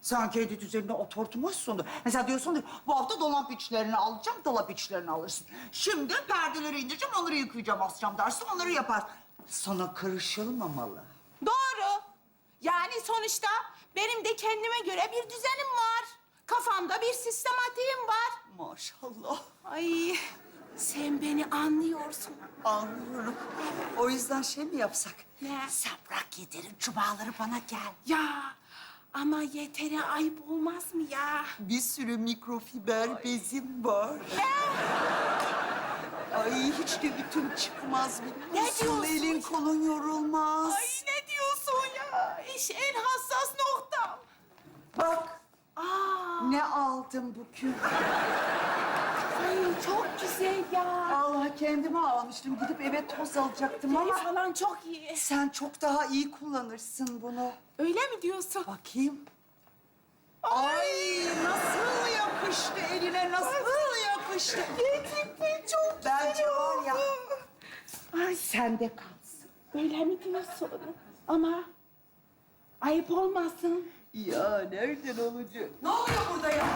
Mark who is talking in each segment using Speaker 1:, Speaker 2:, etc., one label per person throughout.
Speaker 1: Sen kendi düzenine oturtmuşsundur. Mesela diyorsun ki bu hafta dolap içlerini alacağım, dolap içlerini alırsın. Şimdi perdeleri indireceğim, onları yıkayacağım, asacağım dersin, onları yapar. Sana karışılmamalı.
Speaker 2: Doğru. Yani sonuçta benim de kendime göre bir düzenim var. Kafamda bir sistematiğim var.
Speaker 1: Maşallah.
Speaker 2: Ay, sen beni anlıyorsun.
Speaker 1: Anlıyorum. O yüzden şey mi yapsak?
Speaker 2: Ne?
Speaker 1: Sen bırak Yeter'in cumaları bana gel.
Speaker 2: Ya ama Yeter'e ayıp olmaz mı ya?
Speaker 1: Bir sürü mikrofiber bezim var. Ay hiç de ütüm çıkmaz biliyor
Speaker 2: Ne
Speaker 1: musun?
Speaker 2: diyorsun?
Speaker 1: Elin kolun yorulmaz.
Speaker 2: Ay ne diyorsun ya? İş en hassas noktam.
Speaker 1: Bak
Speaker 2: Aa,
Speaker 1: ne aldım bugün.
Speaker 2: ay çok güzel ya.
Speaker 1: Allah kendime almıştım. Gidip eve toz alacaktım
Speaker 2: Ama
Speaker 1: ama...
Speaker 2: falan çok iyi.
Speaker 1: Sen çok daha iyi kullanırsın bunu.
Speaker 2: Öyle mi diyorsun?
Speaker 1: Bakayım. Ay nasıl yapıştı eline, nasıl yapıştı.
Speaker 2: Gerçekten çok güzel
Speaker 1: Bence var ya,
Speaker 2: Ay
Speaker 1: sende kalsın.
Speaker 2: öyle mi diyorsun? Ama ayıp olmasın.
Speaker 1: Ya nereden olacak?
Speaker 2: Ne oluyor burada ya?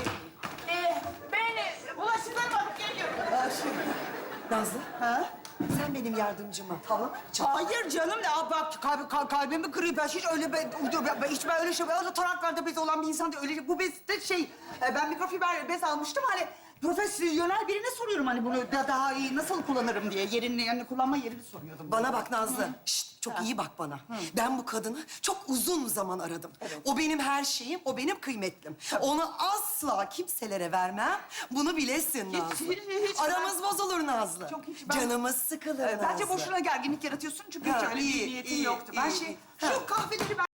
Speaker 2: Ben bulaşıkları bakıp geliyorum.
Speaker 3: Nazlı,
Speaker 1: Ha?
Speaker 3: sen benim yardımcıma tavuk
Speaker 1: Hayır canım, ya bak kalbimi kırıyor. Ben hiç öyle hiç ben öyle şey, öyle taraklarda bez olan bir insan değil. Öyle bu bez de şey, ben mikrofiber bez almıştım hani profesyonel birine soruyorum hani bunu daha iyi nasıl kullanırım diye yerini yani kullanma yerini soruyordum.
Speaker 3: Bana bak Nazlı. Şşt, çok iyi bak bana. Ben bu kadını çok uzun zaman aradım. O benim her şeyim, o benim kıymetlim. Onu asla kimselere vermem. Bunu bilesin Nazlı.
Speaker 1: hiç
Speaker 3: Aramız bozulur Nazlı.
Speaker 1: Çok hiç ben-
Speaker 3: Canımız sıkılır Nazlı.
Speaker 1: Bence boşuna gerginlik yaratıyorsun çünkü hiç
Speaker 3: Ha,
Speaker 1: öyle
Speaker 3: iyi,
Speaker 1: bir niyetin
Speaker 3: iyi,
Speaker 1: yoktu. Ben
Speaker 3: iyi,
Speaker 1: şey,
Speaker 3: iyi.
Speaker 1: şu kahveleri ben